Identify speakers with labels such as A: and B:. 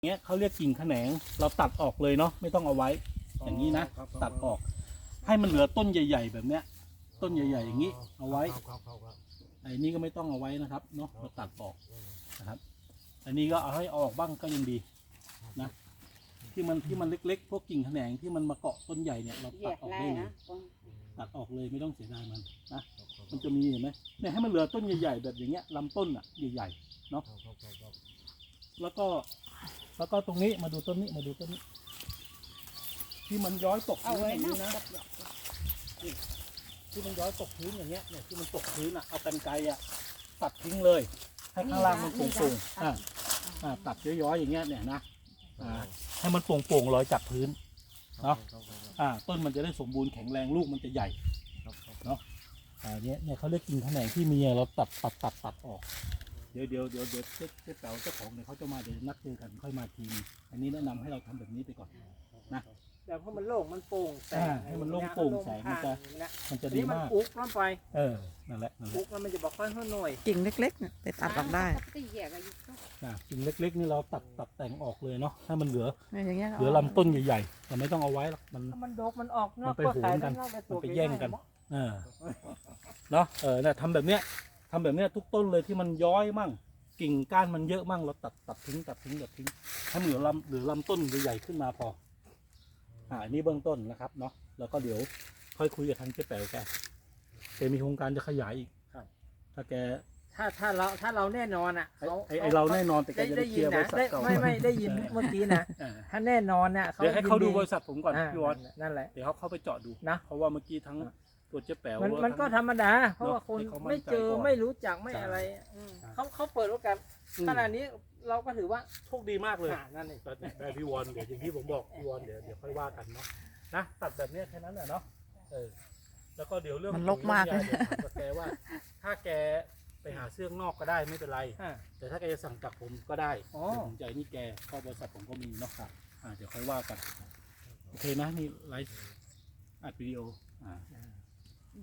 A: เงี้ยเขาเรียกกิ่งแขนงเราตัดออกเลยเนาะไม่ต้องเอาไว้อย่างนี้นะตัดออกให้มันเหลือต้นใหญ่ๆแบบเนี้ยต้นใหญ่ๆอย่างนี้เอาไว้ไอ้นี่ก็ไม่ต้องเอาไว้นะครับเนาะเราตัดออกนะครับอันนี้ก็เอาให้ออกบ้างก็ยังดีนะที่มันเล็กๆพวกกิ่งแขนงที่มันมาเกาะต้นใหญ่เนี่ยเราตัดออกได้เลยตัดออกเลยไม่ต้องเสียดายมันนะมันจะมีเห็นไหมเนี่ยให้มันเหลือต้นใหญ่ๆแบบอย่างเงี้ยลำต้นอ่ะใหญ่ๆเนาะแล้วก็ตรงนี้มาดูต้นนี้ที่มันย้อยตกพื้นอย่างนี้นะที่มันย้อยตกพื้นอย่างเงี้ยเนี่ยที่มันตกพื้นอ่ะเอากรรไกรอ่ะตัดทิ้งเลยให้ข้างล่างมันโป่งๆตัดย้อยๆอย่างเงี้ยเนี่ยนะให้มันโป่งๆลอยจากพื้นเนาะต้นมันจะได้สมบูรณ์แข็งแรงลูกมันจะใหญ่เนาะเนี่ยเขาเรียกกิ่งแขนงที่มีเราตัดออกเดี๋ยวเจ๊แป๋วเจ้าของเนี่ยเขาจะมาเดี๋ยวนัดเจอกันค่อยมาทีอันนี้แนะนำให้เราทำแบบนี้ไปก่อนนะ
B: แต่เพราะมันโล่งมันโป่งแสง
A: ให้มันโล่งโปร่งแสงมันจะดีมาก
B: อุกลงไป
A: นั่นแหละ
B: อุกแล้วมันจะบอกค่อยหน่อย
C: กิ่งเล็กๆเนี่ยไปตัดออกได้
A: กิ่งเล็กๆนี่เราตัดแต่งออกเลยเนาะให้มันเหลือ
C: อย่างเงี้ย
A: เหลือลำต้นใหญ่ๆแต่ไม่ต้องเอาไว้หรอก
B: มันดกมันออก
A: มันไปโหนกันมันไปแย่งกันเนาะเนี่ยทำแบบเนี้ยทุกต้นเลยที่มันย้อยมั่งกิ่งก้านมันเยอะมั่งเราตัดทิ้งให้มันเหลือลำต้นใหญ่ๆขึ้นมาพออันนี้เบื้องต้นนะครับเนาะแล้วก็เดี๋ยวค่อยคุยกับทางเจ๊แป๋วแกมีโครงการจะขยายอีกถ้าแก
B: ถ้าเราแน่นอนอ่ะ
A: เราแน่นอนแต่แกจะได้เคลียร์บริษัทเก่า
B: ไม่ได้ยินเมื่อกี้นะถ้าแน่นอนเนี่ย
A: เดี๋ยวให้เขาดูบริษัทผมก่อนพี่วอน
B: นั่นแหละ
A: เดี๋ยวเขาเข้าไปเจาะดูนะเพราะว่าเมื่อกี้ทั้งตัวเจ๊แป๋ว
B: มันก็ธรรมดาเพราะว่าคนไม่เจอไม่รู้จักไม่อะไรเขาเปิดโอกาสขนาดนี้เราก็ถือว่า
A: โชคดีมากเลย
B: นั่นเอง
A: ได้พี่วอนเดี๋ยวอย่างที่ผมบอกพี่วอนเดี๋ยวค่อยว่ากันเนาะนะตัดแบบนี้แค่นั้นแหละเนาะแล้วก็เดี๋ยวเรื่อง
C: มันรกมากเลย
A: แกว่าถ้าแกไปหาเสื้อนอกก็ได้ไม่เป็นไรแต่ถ้าแกจะสั่งจากผมก็ได้ผมใจนี่แกก็บริษัทผมก็มีเนาะครับเดี๋ยวค่อยว่ากันโอเคนะนี่ไลฟ์อัดวิดีโอ